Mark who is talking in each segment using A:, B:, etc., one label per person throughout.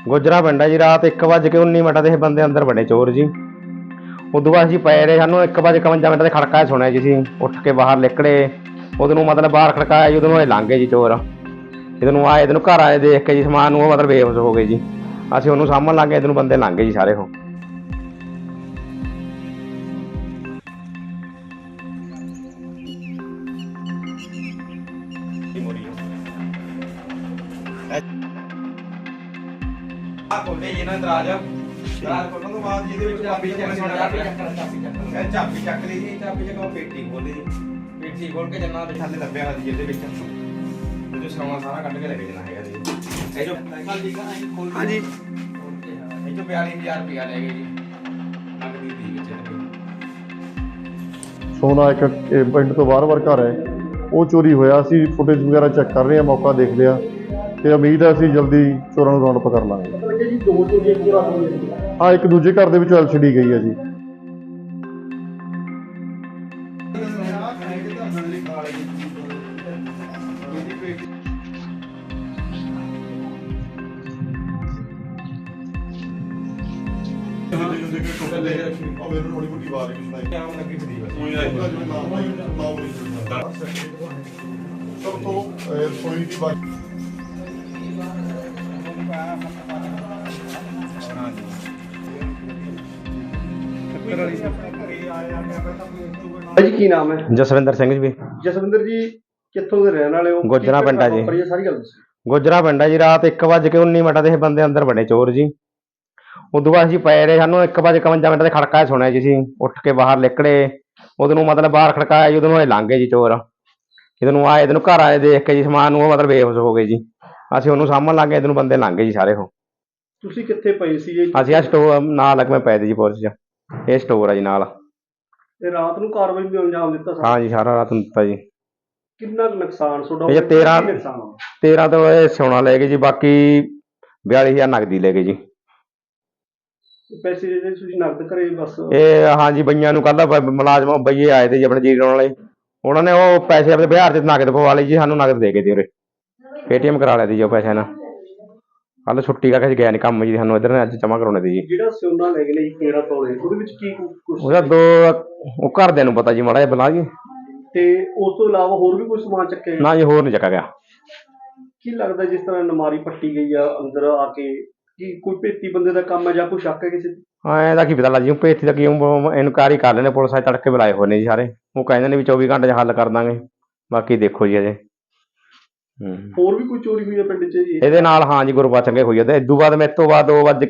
A: ਗੁੱਜਰਾਂ ਪਿੰਡ ਹੈ ਜੀ। ਰਾਤ 1:19 ਤੇ ਇਹ ਬੰਦੇ ਅੰਦਰ ਵੜੇ ਚੋਰ ਜੀ। ਉਦੋਂ ਬਾਅਦ ਅਸੀਂ ਪਏ ਰਹੇ, ਸਾਨੂੰ 1:51 ਤੇ ਖੜਕਾ ਸੁਣਿਆ ਜੀ। ਅਸੀਂ ਉੱਠ ਕੇ ਬਾਹਰ ਨਿਕਲੇ, ਉਹਦੇ ਨੂੰ ਮਤਲਬ ਬਾਹਰ ਖੜਕਾਇਆ ਜੀ, ਉਹਦੇ ਨੂੰ ਇਹ ਲੰਘ ਗਏ ਜੀ ਚੋਰ। ਇਹਦੇ ਨੂੰ ਆਏ, ਇਹਦੇ ਨੂੰ ਘਰ ਆਏ ਦੇਖ ਕੇ ਜੀ ਸਮਾਨ ਨੂੰ ਉਹ ਮਤਲਬ ਬੇਹੋਸ਼ ਹੋ ਗਏ ਜੀ। ਅਸੀਂ ਉਹਨੂੰ ਸਾਂਭਣ ਲੱਗ ਗਏ, ਇਹਦੇ ਨੂੰ ਬੰਦੇ ਲੰਘ ਗਏ ਜੀ ਸਾਰੇ। ਉਹ ਖੋਲੇ ਜੀ ਨਾ ਦਰਾਜ ਖੋਲਣ ਤੋਂ ਬਾਅਦ ਜਿਹਦੇ ਵਿੱਚ ਚਾਬੀ ਚੱਕ ਲਈ ਜੀ। ਚਾਬੀ ਚੱਕ ਪੇਟੀ ਖੋਲੀ ਜੀ। ਪੇਟੀ ਖੋਲ ਕੇ ਜੰਨਾ ਦੇ ਥੱਲੇ ਦੱਬਿਆ ਹੋਇਆ ਸੀ ਜਿਹਦੇ ਵਿੱਚ ਉਹ ਸੋਨਾ ਸਾਰਾ ਕੱਢ ਕੇ ਲੈ ਕੇ ਜਾਣਾ ਹੈਗਾ ਜੀ। ਇਹ ਜੋ ਹਾਂਜੀ ਇਹ ਜੋ 42000 ਰੁਪਇਆ ਲੈ ਗਏ ਜੀ ਨਗਦੀ ਦੀ ਵਿੱਚ।
B: ਸੋਨਾ ਇੱਕ ਪਿੰਡ ਤੋਂ ਬਾਹਰ ਘਰ ਹੈ, ਉਹ ਚੋਰੀ ਹੋਇਆ। ਅਸੀਂ ਫੁਟੇਜ ਵਗੈਰਾ ਚੈੱਕ ਕਰ ਰਹੇ ਹਾਂ, ਮੌਕਾ ਦੇਖ ਲਿਆ ਤੇ ਉਮੀਦ ਹੈ ਅਸੀਂ ਜਲਦੀ ਚੋਰਾਂ ਨੂੰ ਰਾਉਂਡ ਅਪ ਕਰ ਲਾਂਗੇ।
C: ਜੀ 2 ਚੋਰੀਆਂ ਰਾਤ ਹੋਈਆਂ।
B: ਹਾਂ, ਇੱਕ ਦੂਜੇ ਘਰ ਦੇ ਵਿੱਚੋਂ LCD ਗਈ ਹੈ ਜੀ।
C: ਜੀ ਕੀ ਨਾਮ ਹੈ?
A: ਜਸਵਿੰਦਰ ਸਿੰਘ ਜੀ।
C: ਜਸਵਿੰਦਰ ਜੀ ਕਿੱਥੋਂ ਦੇ ਰਹਿਣ ਵਾਲੇ ਹੋ?
A: ਗੁੱਜਰਾਂ ਪਿੰਡ ਹੈ ਜੀ।
C: ਸਾਰੀ ਗੱਲ ਦੱਸੋ।
A: ਗੁੱਜਰਾਂ ਪਿੰਡ ਹੈ ਜੀ। ਰਾਤ 1:19 ਤੇ ਇਹ ਬੰਦੇ ਅੰਦਰ ਵੜੇ ਚੋਰ ਜੀ। ਉਦੋਂ ਬਾਅਦ ਅਸੀਂ ਪਏ ਰਹੇ, ਸਾਨੂੰ 1:51 ਤੇ ਖੜਕਾ ਸੁਣਿਆ ਜੀ। ਅਸੀਂ ਉੱਠ ਕੇ ਬਾਹਰ ਨਿਕਲੇ, ਉਹਦੇ ਨੂੰ ਮਤਲਬ ਬਾਹਰ ਖੜਕਾਇਆ ਜੀ, ਉਹਦੇ ਨੂੰ ਇਹ ਲੰਘ ਗਏ ਜੀ ਚੋਰ। ਇਹਦੇ ਨੂੰ ਆਏ, ਇਹਦੇ ਨੂੰ ਘਰ ਆਏ ਦੇਖ ਕੇ ਜੀ ਸਮਾਨ ਨੂੰ ਉਹ ਮਤਲਬ ਬੇਹੋਸ਼ ਹੋ ਗਏ ਜੀ। ਅਸੀਂ ਉਹਨੂੰ ਸਾਂਭਣ ਲੱਗ ਗਏ, ਇਹਦੇ ਨੂੰ ਬੰਦੇ ਲੰਘ ਗਏ ਜੀ ਸਾਰੇ। ਉਹ
C: ਤੁਸੀਂ ਕਿੱਥੇ ਪਏ ਸੀ ਜੀ?
A: ਅਸੀਂ ਆ ਸਟੋਰ ਨਾਲ ਲੱਗਵੇਂ ਪਏ ਤੇ ਜੀ ਪੁਲਿਸ 'ਚ। ਇਹ ਸਟੋਰ ਹੈ ਜੀ ਨਾਲ।
C: ਤੇ ਰਾਤ ਨੂੰ ਕਾਰਵਾਈ ਵੀ ਅੰਜਾਮ ਦਿੱਤਾ
A: ਹਾਂ ਜੀ, ਸਾਰਾ ਰਾਤ ਨੂੰ ਦਿੱਤਾ ਜੀ।
C: ਕਿੰਨਾ ਨੁਕਸਾਨ ਤੁਹਾਡਾ
A: ਇਹ 13 ਤੋਂ ਇਹ ਸੋਨਾ ਲੈ ਗਏ ਜੀ, ਬਾਕੀ 42,000 ਨਗਦੀ ਲੈ ਗਏ ਜੀ।
C: ਪੈਸੇ ਜਿਹੜੇ ਤੁਸੀਂ ਨਕਦ ਕਰੇ ਬਸ?
A: ਇਹ ਹਾਂ ਜੀ, ਬਈਆਂ ਨੂੰ ਕੱਲ੍ਹ ਮੁਲਾਜ਼ਮ ਬਈਏ ਆਏ ਤੇ ਜੀ ਆਪਣੇ ਜੀਰੋ ਵਾਲੇ, ਉਹਨਾਂ ਨੇ ਉਹ ਪੈਸੇ ਆਪਣੇ ਬਿਹਾਰ 'ਚ ਨਗਦ ਪਵਾ ਲਈ ਜੀ। ਸਾਨੂੰ ਨਗਦ ਦੇ ਗਏ ਜੀ ਉਰੇ, ATM ਕਰਾ ਲਿਆ ਜੀ ਉਹ ਪੈਸੇ ਨਾਲ। ਕੱਲ੍ਹ ਛੁੱਟੀ ਕਰਕੇ ਗਿਆ ਨਹੀਂ ਕੰਮ ਜੀ, ਸਾਨੂੰ ਇੱਧਰ ਨੇ ਅੱਜ ਜਮ੍ਹਾਂ ਕਰਾਉਣੇ ਦੀ ਜੀ।
C: ਜਿਹੜਾ ਸੋਨਾ ਲੈ ਗਏ ਨੇ 13 ਤੋਲੇ, ਉਹਦੇ ਵਿੱਚ ਕੀ ਕੁਛ?
A: ਉਹਦਾ ਉਹ ਘਰਦਿਆਂ ਨੂੰ ਪਤਾ ਜੀ, ਮਾੜਾ ਜਿਹਾ ਬਲਾ ਜੀ।
C: ਤੇ ਉਸ ਤੋਂ ਇਲਾਵਾ ਹੋਰ ਵੀ ਕੋਈ ਸਮਾਨ ਚੱਕਿਆ?
A: ਨਾ ਜੀ, ਹੋਰ ਨਹੀਂ ਚੱਕਾ ਗਿਆ।
C: ਕੀ ਲੱਗਦਾ ਜਿਸ ਤਰ੍ਹਾਂ ਨਮਾਰੀ ਪੱਟੀ ਗਈ ਆ ਅੰਦਰ ਆ ਕੇ, ਕੀ ਕੋਈ ਭੇਤੀ ਬੰਦੇ ਦਾ ਕੰਮ ਹੈ ਜਾਂ ਕੋਈ ਸ਼ੱਕ ਹੈ ਕਿਸੇ ਤੇ?
A: ਹਾਂ, ਇਹਦਾ ਕੀ ਪਤਾ ਲੱਗ ਜੀ। ਭੇਤੀ ਦਾ ਕੀ ਇਨਕੁਆਇਰੀ ਕਰ ਲੈਣੇ, ਪੁਲਿਸ ਆਏ ਤੜਕੇ ਬੁਲਾਏ ਹੋਏ ਨੇ ਜੀ ਸਾਰੇ। ਉਹ ਕਹਿੰਦੇ ਨੇ ਵੀ 24 ਘੰਟੇ 'ਚ ਹੱਲ ਕਰ ਦਾਂਗੇ, ਬਾਕੀ ਦੇਖੋ ਜੀ ਅਜੇ।
C: ਹੋਰ ਵੀ ਕੋਈ ਚੋਰੀ ਹੋਈ ਹੈ ਪਿੰਡ 'ਚ ਜੀ
A: ਇਹਦੇ ਨਾਲ? ਹਾਂ ਜੀ, ਗੁਰਬਚਨ ਹੋਈ ਹੈ। ਤੇ ਇਦੋਂ ਬਾਅਦ ਮੇਰੇ ਤੋਂ ਬਾਅਦ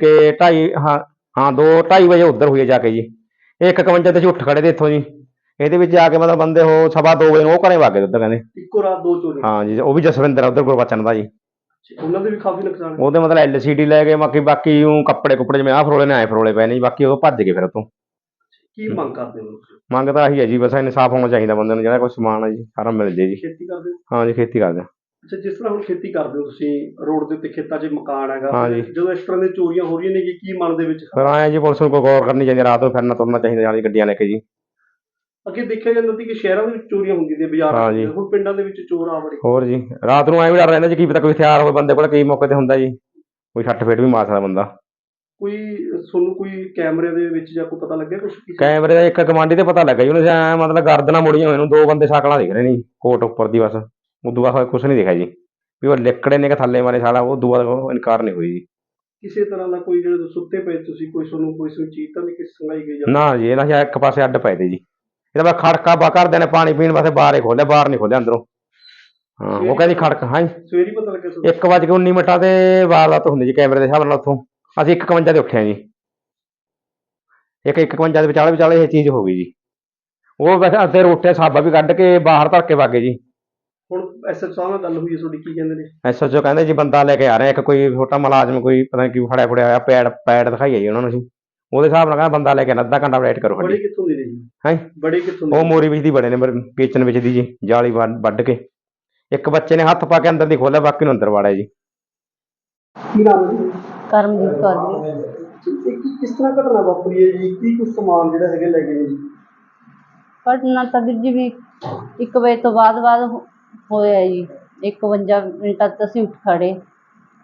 A: 2:2:30 ਵਜੇ ਉੱਧਰ ਹੋਈ ਹੈ ਜਾ ਕੇ ਜੀ। ਇਹ 1:51 ਤੇ ਅਸੀਂ ਉੱਠ ਖੜੇ ਤੇ ਇੱਥੋਂ ਜੀ। ਇਹਦੇ ਵਿੱਚ ਜਾ ਕੇ ਮਤਲਬ ਬੰਦੇ ਉਹ 2:15 ਵਜੇ ਨੂੰ ਉਹ ਘਰੇ ਵਗ ਗਏ ਉੱਧਰ ਕਹਿੰਦੇ।
C: ਇੱਕੋ ਰਾਤ 2 ਚੋਰੀ?
A: ਹਾਂ ਜੀ, ਉਹ ਵੀ ਜਸਵਿੰਦਰ ਉੱਧਰ ਗੁਰਬਚਨ ਦਾ ਜੀ।
C: ਉਹਨਾਂ ਦੇ ਵੀ ਕਾਫੀ ਨੁਕਸਾਨ?
A: ਉਹਦੇ ਮਤਲਬ LCD ਲੈ ਗਏ, ਬਾਕੀ ਉਹ ਕੱਪੜੇ ਕੁੱਪੜੇ ਜਿਵੇਂ ਆਹ ਫਰੋਲੇ ਨੇ ਆਏ ਫਰੋਲੇ ਪਏ ਨੇ ਜੀ। ਬਾਕੀ ਉਹ ਭੱਜ ਗਏ ਫਿਰ ਉੱਥੋਂ।
C: ਕੀ ਮੰਗ ਕਰਦੇ ਹੋ?
A: ਮੰਗ ਤਾਂ ਆਹੀ ਹੈ ਜੀ, ਬਸ ਇਨਸਾਫ ਹੋਣਾ ਚਾਹੀਦਾ ਬੰਦੇ ਨੂੰ। ਜਿਹੜਾ ਕੋਈ ਸਮਾਨ ਹੈ ਜੀ ਸਾਰਾ ਮਿਲ ਜੇ ਜੀ।
C: ਖੇਤੀ ਕਰਦੇ ਹੋ?
A: ਹਾਂ ਜੀ, ਖੇਤੀ ਕਰਦੇ ਹਾਂ।
C: ਅੱਛਾ, ਜਿਸ ਤਰ੍ਹਾਂ ਹੁਣ ਖੇਤੀ ਕਰਦੇ ਹੋ ਤੁਸੀਂ, ਰੋਡ ਦੇ ਉੱਤੇ ਖੇਤਾਂ 'ਚ ਮਕਾਨ ਹੈਗਾ,
A: ਹਾਂ ਜੀ।
C: ਜਦੋਂ ਇਸ ਤਰ੍ਹਾਂ ਦੀਆਂ ਚੋਰੀਆਂ ਹੋ ਰਹੀਆਂ ਨੇ ਕੀ ਮਨ ਦੇ ਵਿੱਚ?
A: ਫਿਰ ਆਏ ਜੀ, ਪੁਲਿਸ ਨੂੰ ਕੋਈ ਗੌਰ ਕਰਨੀ ਚਾਹੀਦੀ, ਰਾਤ ਨੂੰ ਫਿਰਨਾ ਤੁਰਨਾ ਚਾਹੀਦਾ ਨਾਲ ਗੱਡੀਆਂ ਲੈ ਕੇ ਜੀ।
C: ਅੱਗੇ ਦੇਖਿਆ ਜਾਂਦਾ ਸੀ ਕਿ ਸ਼ਹਿਰਾਂ ਦੇ ਵਿੱਚ ਚੋਰੀਆਂ ਹੁੰਦੀਆਂ ਨੇ, ਬਾਜ਼ਾਰਾਂ ਵਿੱਚ, ਹੁਣ ਪਿੰਡਾਂ ਦੇ ਵਿੱਚ ਚੋਰ ਆ ਵੜੇ।
A: ਹੋਰ ਜੀ, ਰਾਤ ਨੂੰ ਐਂ ਵੀ ਡਰ ਰਹਿੰਦਾ ਜੀ, ਕੀ ਪਤਾ ਕੋਈ ਹਥਿਆਰ ਹੋਵੇ ਬੰਦੇ ਕੋਲ, ਕਈ ਮੌਕੇ ਤੇ ਹੁੰਦਾ ਜੀ ਕੋਈ ਛੱਟ ਫੇਟ ਵੀ ਮਾਰ ਸਕਦਾ ਬੰਦਾ।
C: ਕੋਈ ਤੁਹਾਨੂੰ ਕੋਈ ਕੈਮਰੇ ਦੇ ਵਿੱਚ ਜਾਂ ਕੋਈ ਪਤਾ ਲੱਗਿਆ ਕੁਛ?
A: ਕੈਮਰੇ ਦਾ ਇੱਕ ਕਮਾਂਡੀ ਤੇ ਪਤਾ ਲੱਗਾ ਜੀ, ਉਹਨੇ ਐਂ ਮਤਲਬ ਗਰਦਨਾਂ ਮੁੜੀਆਂ ਹੋਏ ਨੂੰ 2 ਬੰਦੇ ਸ਼ਕਲਾਂ ਦਿਖ ਰਹੇ ਨੇ ਜੀ ਕੋਟ ਉੱਪਰ ਦੀ, ਬਸ ਉਦੋਂ ਬਾਅਦ ਕੁਛ ਨਹੀਂ ਦਿਖਿਆ ਜੀ ਵੀ ਉਹ ਲਿਕੜੇ ਨੇ ਕਿ ਥੱਲੇ ਮਾਰੇ ਸਾਲਾ। ਉਹ ਦੁਆ ਇਨਕਾਰ ਨਹੀਂ ਹੋਈ ਜੀ।
C: ਕਿਸੇ ਤਰ੍ਹਾਂ ਦਾ ਕੋਈ ਜਿਹੜੇ ਸੁੱਤੇ ਪਏ ਤੁਸੀਂ, ਕੋਈ ਤੁਹਾਨੂੰ ਕੋਈ ਚੀਜ਼ ਤਾਂ ਨਹੀਂ ਕਿਸੇ ਸੰਗਾਈ ਗਈ?
A: ਨਾ ਜੀ, ਇਹਨਾਂ ਇੱਕ ਪਾਸੇ ਅੱਡ ਪਏ ਤੇ ਜੀ। ਇਹਦਾ ਮੈਂ ਖੜਕਾ ਘਰਦਿਆਂ ਨੇ ਪਾਣੀ ਪੀਣ ਵਾਸਤੇ ਬਾਹਰ ਹੀ ਖੋਲਿਆ, ਬਾਹਰ ਨਹੀਂ ਖੋਲਿਆ ਅੰਦਰੋਂ। ਹਾਂ, ਉਹ ਕਹਿੰਦੀ ਖੜਕਾ। ਹਾਂ,
C: ਸਵੇਰੇ ਪਤਾ ਲੱਗਿਆ?
A: 1:19 ਤੇ ਵਾਰਦਾਤ ਹੁੰਦੀ ਜੀ ਕੈਮਰੇ ਦੇ ਹਿਸਾਬ ਨਾਲ। ਉੱਥੋਂ ਅਸੀਂ 1:51 ਤੇ ਉੱਠੇ ਹਾਂ ਜੀ। 1:51 ਦੇ ਵਿਚਾਲੇ ਇਹ ਚੀਜ਼ ਹੋ ਗਈ ਜੀ। ਉਹ ਵੈਸੇ ਅੱਧੇ ਰੋਟੇ ਸਾਬਾ ਵੀ ਕੱਢ ਕੇ ਬਾਹਰ ਧਰ ਕੇ ਵਾਗੇ ਜੀ।
C: ਹੁਣ SHO ਸਾਹਿਬ ਨਾਲ ਗੱਲ ਹੋਈ ਹੈ ਤੁਹਾਡੀ, ਕੀ ਕਹਿੰਦੇ ਨੇ?
A: SHO ਕਹਿੰਦੇ ਜੀ ਬੰਦਾ ਲੈ ਕੇ ਆ ਰਹੇ ਇੱਕ ਕੋਈ ਛੋਟਾ ਮੁਲਾਜ਼ਮ, ਕੋਈ ਪਤਾ ਨਹੀਂ ਕੀ ਫੜਿਆ ਹੋਇਆ। ਪੈਡ ਦਿਖਾਈਏ ਜੀ ਉਹਨਾਂ ਨੂੰ ਅਸੀਂ। ਉਹਦੇ ਹਿਸਾਬ ਨਾਲ ਕਹਿੰਦਾ ਬੰਦਾ ਲੈ ਕੇ ਅੱਧਾ ਘੰਟਾ ਵੇਟ ਕਰੋ।
C: ਬੜੇ ਕਿੱਥੋਂ ਦੇ ਨੇ ਜੀ?
A: ਹੈਂ,
C: ਬੜੇ ਕਿੱਥੋਂ ਦੇ?
A: ਉਹ ਮੋਰੀ ਵਿੱਚ ਦੀ ਬੜੇ ਨੇ, ਕਿਚਨ ਵਿੱਚ ਦੀ ਜੀ, ਜਾਲੀ ਵੱਢ ਕੇ। ਇੱਕ ਬੱਚੇ ਨੇ ਹੱਥ ਪਾ ਕੇ ਅੰਦਰ ਦੀ ਖੋਲਿਆ, ਬਾਕੀ ਨੂੰ ਅੰਦਰ ਵਾੜਿਆ ਜੀ।
C: ਕੀ ਨਾਮ ਹੈ ਜੀ?
D: ਕਰਮਜੀਤ ਕੌਰ ਜੀ।
C: ਕਿਸ ਤਰ੍ਹਾਂ ਘਟਨਾ ਵਾਪਰੀ ਹੈ ਜੀ? ਕੀ ਕੁਛ ਸਮਾਨ ਜਿਹੜਾ ਹੈਗਾ ਲੈ ਗਏ ਨੇ ਜੀ?
D: ਘਟਨਾ ਤਾਂ ਵੀਰ ਜੀ ਵੀ 1 ਵਜੇ ਤੋਂ ਬਾਅਦ ਹੋਇਆ ਜੀ। 51 ਮਿੰਟਾਂ ਤੱਕ ਅਸੀਂ ਉੱਠ ਖੜ੍ਹੇ।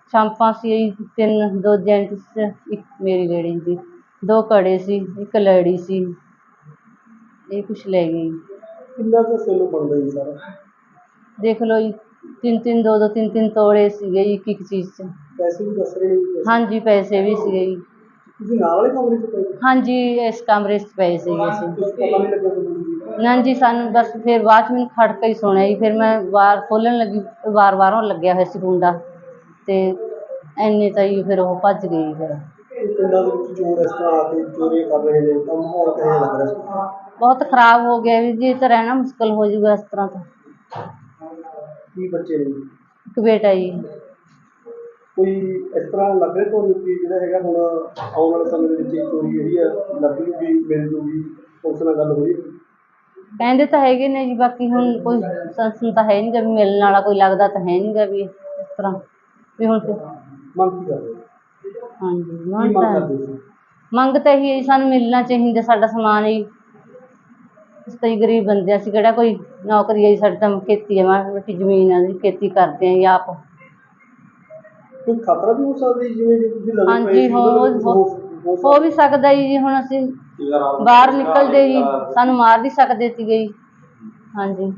D: ਸ਼ਾਂਪਾਂ ਸੀ ਤਿੰਨ, ਦੋ ਜੈਂਟਸ, ਇੱਕ ਮੇਰੀ ਲੇਡੀ ਸੀ, ਦੋ ਕੜੇ ਸੀ, ਇੱਕ ਲੜੀ ਸੀ, ਇਹ ਕੁਛ ਲੈ ਗਈ।
C: ਕਿੰਨਾ ਕੁ ਸੋਨੂੰ ਬਣਦਾ ਜੀ ਸਾਰਾ?
D: ਦੇਖ ਲਓ ਜੀ, ਤਿੰਨ ਤਿੰਨ, ਦੋ ਦੋ, ਤਿੰਨ ਤਿੰਨ ਤੋੜੇ ਸੀਗੇ ਜੀ ਇੱਕ ਇੱਕ ਚੀਜ਼ 'ਚ।
C: ਪੈਸੇ ਵੀ ਦੱਸ ਰਹੇ ਨੇ ਜੀ?
D: ਹਾਂਜੀ, ਪੈਸੇ ਵੀ ਸੀਗੇ ਜੀ।
C: ਤੁਸੀਂ ਨਾਲ ਵਾਲੇ ਕਮਰੇ 'ਚ ਪਏ?
D: ਹਾਂਜੀ, ਇਸ ਕਮਰੇ 'ਚ ਪਏ ਸੀਗੇ ਅਸੀਂ।
C: ਕੁਛ ਪਤਾ ਨਹੀਂ ਲੱਗਿਆ ਤੁਹਾਨੂੰ ਜੀ?
D: ਨਾ ਜੀ, ਸਾਨੂੰ ਬਸ ਫਿਰ ਬਾਅਦ 'ਚ ਮੈਨੂੰ ਖੜਕਾ ਹੀ ਸੁਣਿਆ ਜੀ, ਫਿਰ ਮੈਂ ਵਾਰ ਖੋਲ੍ਹਣ ਲੱਗੀ, ਵਾਰ ਬਾਹਰੋਂ ਲੱਗਿਆ ਹੋਇਆ ਸੀ ਕੁੰਡਾ, ਅਤੇ ਇੰਨੇ ਤਾਂ ਜੀ ਫਿਰ ਉਹ ਭੱਜ ਗਏ ਜੀ ਫਿਰ।
C: ਇਹ ਪਿੰਡਾਂ ਦੇ ਵਿੱਚ ਚੋਰ ਇਸ ਤਰ੍ਹਾਂ ਆ ਕੇ ਚੋਰੀਆਂ ਕਰ ਰਹੇ ਨੇ ਤਾਂ ਮਾਹੌਲ ਕਿਹੋ ਜਿਹਾ ਲੱਗ ਰਿਹਾ ਸੀ?
D: ਬਹੁਤ ਖਰਾਬ ਹੋ ਗਿਆ ਵੀ ਜੀ, ਇਹ ਤਾਂ ਰਹਿਣਾ ਮੁਸ਼ਕਿਲ ਹੋ ਜਾਊਗਾ ਇਸ ਤਰ੍ਹਾਂ ਤਾਂ।
C: ਕੀ ਬੱਚੇ ਨੇ ਜੀ?
D: ਇੱਕ ਬੇਟਾ ਜੀ।
C: ਕੋਈ ਇਸ ਤਰ੍ਹਾਂ ਲੱਗ ਰਿਹਾ ਤੁਹਾਨੂੰ ਕਿ ਜਿਹੜਾ ਹੈਗਾ ਹੁਣ ਆਉਣ ਵਾਲੇ ਸਮੇਂ ਦੇ ਵਿੱਚ ਇਹ ਚੋਰੀ ਜਿਹੜੀ ਆ ਲੱਗੂਗੀ, ਮਿਲ ਜੂਗੀ, ਉਸ ਨਾਲ ਗੱਲ ਹੋਈ?
D: ਕਹਿੰਦੇ ਤਾਂ ਹੈਗੇ ਨੇ ਜੀ, ਬਾਕੀ ਹੁਣ ਕੋਈ ਸੰਸਨ ਤਾਂ ਹੈ ਨਹੀਂ ਗਾ ਵੀ ਮਿਲਣ ਵਾਲਾ, ਕੋਈ ਲੱਗਦਾ ਤਾਂ ਹੈ ਨਹੀਂ ਗਾ ਵੀ ਇਸ ਤਰ੍ਹਾਂ ਵੀ ਹੁਣ ਫਿਰ।
C: ਮੰਗ ਕੀ ਕਰਦੇ ਹੋ?
D: ਹਾਂਜੀ,
C: ਕੀ
D: ਮੰਗ
C: ਮੰਗ
D: ਤਾਂ
C: ਕਰਦੇ ਸੀ?
D: ਮੰਗ ਤਾਂ ਇਹੀ ਹੈ ਜੀ, ਸਾਨੂੰ ਮਿਲਣਾ ਚਾਹੀਦਾ ਸਾਡਾ ਸਮਾਨ ਜੀ। ਅਸੀਂ ਤਾਂ ਜੀ ਗਰੀਬ ਬੰਦੇ ਹਾਂ, ਅਸੀਂ ਕਿਹੜਾ ਕੋਈ ਨੌਕਰੀ ਹੈ ਜੀ, ਸਾਡੀ ਤਾਂ ਖੇਤੀ ਹੈ, ਮਾੜੀ ਮੋਟੀ ਜ਼ਮੀਨ ਹੈ ਜੀ, ਖੇਤੀ ਕਰਦੇ ਹਾਂ ਜੀ ਆਪ।
C: ਕੋਈ ਖਤਰਾ ਵੀ ਹੋ ਸਕਦਾ ਜੀ, ਜਿਵੇਂ ਜੇ ਤੁਸੀਂ ਲੱਗੇ ਪਏ
D: ਹਾਂਜੀ,
C: ਸੀ ਉਹਦੇ ਵਿੱਚ
D: ਹੋ ਵੀ ਸਕਦਾ ਜੀ, ਹੁਣ ਅਸੀਂ ਬਾਹਰ ਨਿਕਲਦੇ ਜੀ, ਸਾਨੂੰ ਮਾਰ ਵੀ ਸਕਦੇ ਸੀਗੇ ਜੀ। ਹਾਂਜੀ।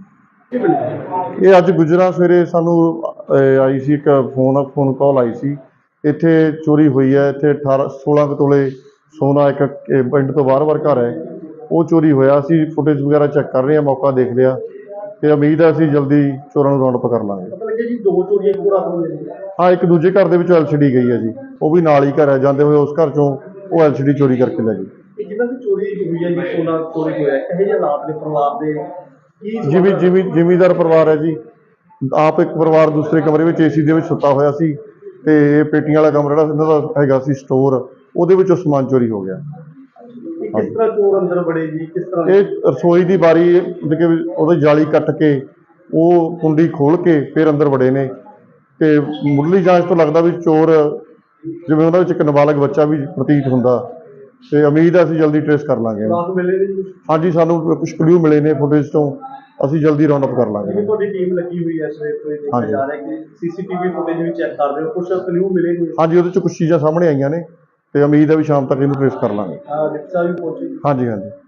B: ਇਹ ਅੱਜ ਗੁਜਰਾ ਸਵੇਰੇ ਸਾਨੂੰ ਆਈ ਸੀ ਇੱਕ ਫੋਨ ਕਾਲ ਆਈ ਸੀ, ਇੱਥੇ ਚੋਰੀ ਹੋਈ ਹੈ। ਇੱਥੇ 16 ਕੁ ਤੋਲੇ ਸੋਨਾ ਇੱਕ ਪਿੰਡ ਤੋਂ ਬਾਹਰ ਘਰ ਹੈ, ਉਹ ਚੋਰੀ ਹੋਇਆ। ਅਸੀਂ ਫੁਟੇਜ ਵਗੈਰਾ ਚੈੱਕ ਕਰ ਰਹੇ ਹਾਂ, ਮੌਕਾ ਦੇਖ ਲਿਆ, ਤੇ ਉਮੀਦ ਹੈ ਅਸੀਂ ਜਲਦੀ ਚੋਰਾਂ ਨੂੰ ਰਾਉਂਡ ਅਪ ਕਰ ਲਾਂਗੇ।
C: ਪਤਾ ਲੱਗਿਆ ਜੀ 2 ਚੋਰੀਆਂ ਇੱਕੋ ਰਾਤ ਹੋਈਆਂ ਜੀ?
B: ਹਾਂ, ਇੱਕ ਦੂਜੇ ਘਰ ਦੇ ਵਿੱਚੋਂ LCD ਗਈ ਹੈ ਜੀ, ਉਹ ਵੀ ਨਾਲ ਹੀ ਘਰ ਹੈ, ਜਾਂਦੇ ਹੋਏ ਉਸ ਘਰ ਚੋਂ ਉਹ LCD ਚੋਰੀ ਕਰਕੇ ਲੈ ਗਈ।
C: ਇਹ ਜਿਹਨਾਂ ਦੀ ਚੋਰੀ ਹੋਈ ਹੈ ਜੀ, ਸੋਨਾ ਚੋਰੀ ਹੋਇਆ, ਇਹੋ ਜਿਹੇ ਹਾਲਾਤ ਨੇ ਪਰਿਵਾਰ ਦੇ ਕੀ?
B: ਜ਼ਿਮੀਂਦਾਰ ਪਰਿਵਾਰ ਹੈ ਜੀ, ਆਪ ਇੱਕ ਪਰਿਵਾਰ ਦੂਸਰੇ ਕਮਰੇ ਵਿੱਚ AC ਦੇ ਵਿੱਚ ਸੁੱਤਾ ਹੋਇਆ ਸੀ, ਤੇ ਇਹ ਪੇਟੀਆਂ ਵਾਲਾ ਕਮਰਾ ਜਿਹੜਾ ਇਹਨਾਂ ਦਾ ਹੈਗਾ ਸੀ ਸਟੋਰ, ਉਹਦੇ ਵਿੱਚੋਂ ਸਮਾਨ ਚੋਰੀ ਹੋ ਗਿਆ।
C: ਕਿਸ ਤਰ੍ਹਾਂ ਚੋਰ ਅੰਦਰ ਵੜੇ ਜੀ? ਕਿਸ ਤਰ੍ਹਾਂ?
B: ਇਹ ਰਸੋਈ ਦੀ ਬਾਰੀ ਉਹਦੀ ਜਾਲੀ ਕੱਟ ਕੇ, ਉਹ ਕੁੰਡੀ ਖੋਲ ਕੇ ਫਿਰ ਅੰਦਰ ਵੜੇ ਨੇ, ਤੇ ਮੁੱਢਲੀ ਜਾਂਚ ਤੋਂ ਲੱਗਦਾ ਵੀ ਚੋਰ ਜਿਵੇਂ ਉਹਨਾਂ ਵਿੱਚ ਇੱਕ ਨਾਬਾਲਗ ਬੱਚਾ ਵੀ ਪ੍ਰਤੀਤ ਹੁੰਦਾ, ਤੇ ਉਮੀਦ ਹੈ ਅਸੀਂ ਜਲਦੀ ਟ੍ਰੇਸ ਕਰ ਲਾਂਗੇ।
C: ਰਾਤ ਮਿਲੇ ਨੇ ਜੀ?
B: ਹਾਂਜੀ, ਸਾਨੂੰ ਕੁਝ ਕਲੂ ਮਿਲੇ ਨੇ ਫੁਟੇਜ ਤੋਂ, ਅਸੀਂ ਜਲਦੀ ਰਾਉਂਡ ਅਪ ਕਰ ਲਾਂਗੇ।
C: ਤੁਹਾਡੀ ਟੀਮ ਲੱਗੀ ਹੋਈ ਹੈ ਸਵੇਰ ਤੋਂ, ਇਹ ਦੇਖਿਆ ਜਾ ਰਿਹਾ ਕਿ CCTV ਫੁਟੇਜ ਵੀ ਚੈੱਕ ਕਰ ਰਹੇ ਹੋ, ਕੁਝ ਕਲੂ ਮਿਲੇ ਨੇ?
B: ਹਾਂਜੀ, ਉਹਦੇ 'ਚ ਕੁਝ ਚੀਜ਼ਾਂ ਸਾਹਮਣੇ ਆਈਆਂ ਨੇ, ਤੇ ਉਮੀਦ ਹੈ ਵੀ ਸ਼ਾਮ ਤੱਕ ਇਹਨੂੰ ਟ੍ਰੇਸ ਕਰ ਲਾਂਗੇ।
C: ਰਿਕਸ਼ਾ ਵੀ ਪਹੁੰਚੀ?
B: ਹਾਂਜੀ।